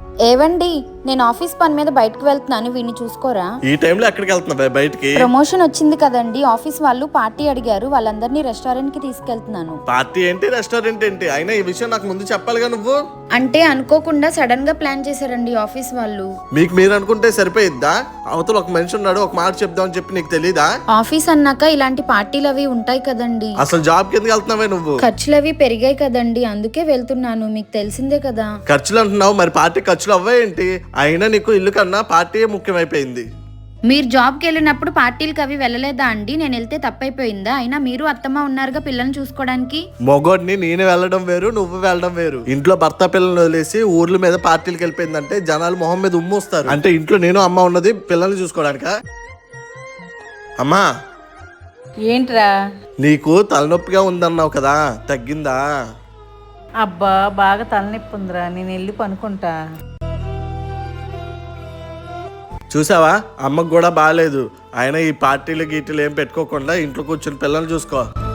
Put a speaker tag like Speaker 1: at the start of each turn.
Speaker 1: ఏవండి, నేను ఆఫీస్ పని మీద బయటకు వెళ్తున్నాను, వీడిని చూసుకోరా.
Speaker 2: ఈ టైంలో ఎక్కడికి వెళ్తున్నా బయటికి?
Speaker 1: ప్రమోషన్ వచ్చింది కదండి, ఆఫీస్ వాళ్ళు పార్టీ అడిగారు, వాళ్ళందరినీ రెస్టారెంట్ కి తీసుకెళ్తున్నాను.
Speaker 2: పార్టీ ఏంటి, రెస్టారెంట్ ఏంటి? అయినా ఈ విషయం నాకు ముందు చెప్పాలిగా నువ్వు.
Speaker 1: అంటే అనుకోకుండా సడన్ గా ప్లాన్ చేశారండి ఆఫీస్ వాళ్ళు.
Speaker 2: మీకు మీరు అనుకుంటే సరిపోయిద్దా? అవతల ఒక మనిషి ఉన్నాడు, ఒక మాట చెప్దామని చెప్పి నీకు తెలీదా?
Speaker 1: ఆఫీస్ అన్నాక ఇలాంటి పార్టీలు అవి ఉంటాయి కదండి.
Speaker 2: అసలు జాబ్ కిందకి వెళ్తున్నావే నువ్వు?
Speaker 1: ఖర్చులు అవి పెరిగాయి కదండి, అందుకే వెళ్తున్నాను, మీకు తెలిసిందే కదా.
Speaker 2: ఖర్చులు అంటున్నావు, మరి పార్టీ ఖర్చులు అవ్వాయేంటి? అయినా నీకు ఇల్లు కన్నా పార్టీ ముఖ్యమైపోయింది.
Speaker 1: మీరు జాబ్కి వెళ్ళినప్పుడు పార్టీలకు అవి వెళ్ళలేదా అండి? నేను వెళ్తే తప్పైపోయిందా? అయినా మీరు అత్తమ్మ ఉన్నారుగా పిల్లల్ని చూసుకోవడానికి.
Speaker 2: మొగోడిని నేను వెళ్ళడం వేరు, నువ్వు వెళ్ళడం వేరు. ఇంట్లో భర్త పిల్లల్ని వదిలేసి ఊర్ల మీద పార్టీలకు వెళ్ళిపోయిందంటే జనాలు మొహం మీద ఉమ్మొస్తారు. అంటే ఇంట్లో నేను అమ్మ ఉన్నది పిల్లల్ని చూసుకోవడానికా? అమ్మా,
Speaker 3: ఏంట్రా?
Speaker 2: నీకు తలనొప్పిగా ఉందన్నావు కదా, తగ్గిందా?
Speaker 3: అబ్బా, బాగా తలనొప్పి ఉందిరా, నేను వెళ్ళి పనుకుంటా.
Speaker 2: చూసావా, అమ్మకు కూడా బాగాలేదు. అయినా ఈ పార్టీలు గీటీలు ఏం పెట్టుకోకుండా ఇంట్లో కూర్చొని పిల్లల్ని చూసుకో.